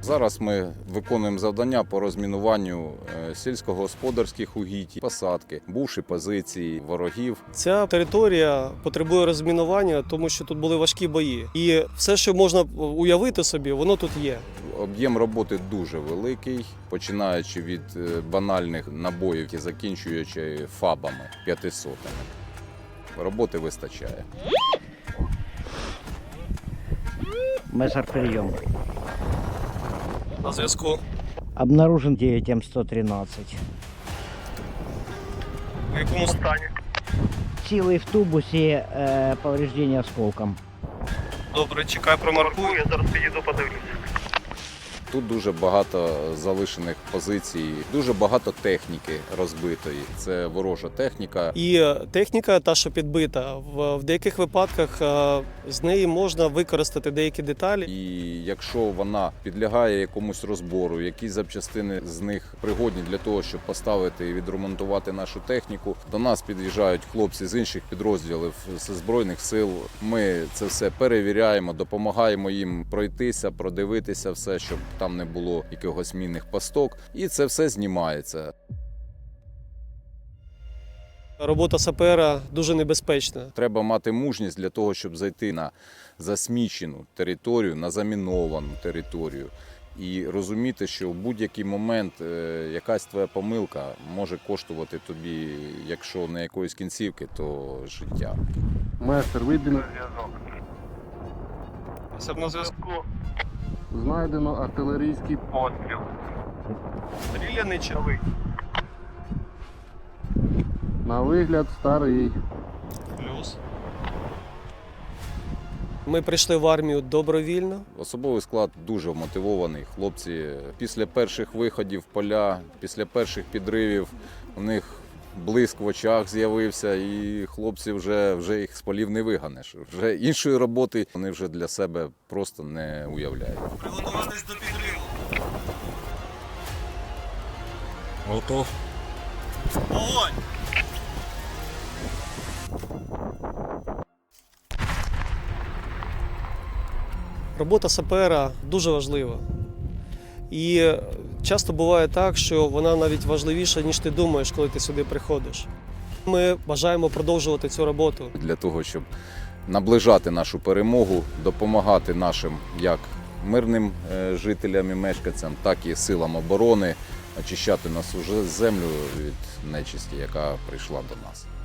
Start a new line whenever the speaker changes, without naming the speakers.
Зараз ми виконуємо завдання по розмінуванню сільськогосподарських угідь, посадки, бувші позиції ворогів.
Ця територія потребує розмінування, тому що тут були важкі бої. І все, що можна уявити собі, воно тут є.
Об'єм роботи дуже великий, починаючи від банальних набоїв і закінчуючи фабами 500. Роботи вистачає.
Мессер, прием.
На зв'язку.
Обнаружен 9М113.
В якому стані?
Силой в тубусе, повреждение осколком.
Добре, чекай, промаркую, я зараз підійду, подивлюся.
Тут дуже багато залишених позицій, дуже багато техніки розбитої. Це ворожа техніка.
І техніка, та, що підбита, в деяких випадках з неї можна використати деякі деталі.
І якщо вона підлягає якомусь розбору, якісь запчастини з них пригодні для того, щоб поставити і відремонтувати нашу техніку, до нас під'їжджають хлопці з інших підрозділів, з Збройних сил. Ми це все перевіряємо, допомагаємо їм пройтися, продивитися все, щоб там не було якихось мінних пасток. І це все знімається.
Робота сапера дуже небезпечна.
Треба мати мужність для того, щоб зайти на засмічену територію, на заміновану територію. І розуміти, що в будь-який момент якась твоя помилка може коштувати тобі, якщо не якоїсь кінцівки, то життя.
Майстер, вийди.
На зв'язку.
Знайдено артилерійський постріл.
Стріляний човий.
На вигляд старий.
Плюс. Ми прийшли в армію добровільно.
Особовий склад дуже вмотивований. Хлопці після перших виходів в поля, після перших підривів у них блиск в очах з'явився, і хлопці вже їх з полів не виганеш. Вже іншої роботи вони вже для себе просто не уявляють.
Приготуватись до підриву.
Готов.
Огонь! Робота сапера дуже важлива. І часто буває так, що вона навіть важливіша, ніж ти думаєш, коли ти сюди приходиш. Ми бажаємо продовжувати цю роботу.
Для того, щоб наближати нашу перемогу, допомагати нашим як мирним жителям і мешканцям, так і силам оборони очищати нашу землю від нечисті, яка прийшла до нас.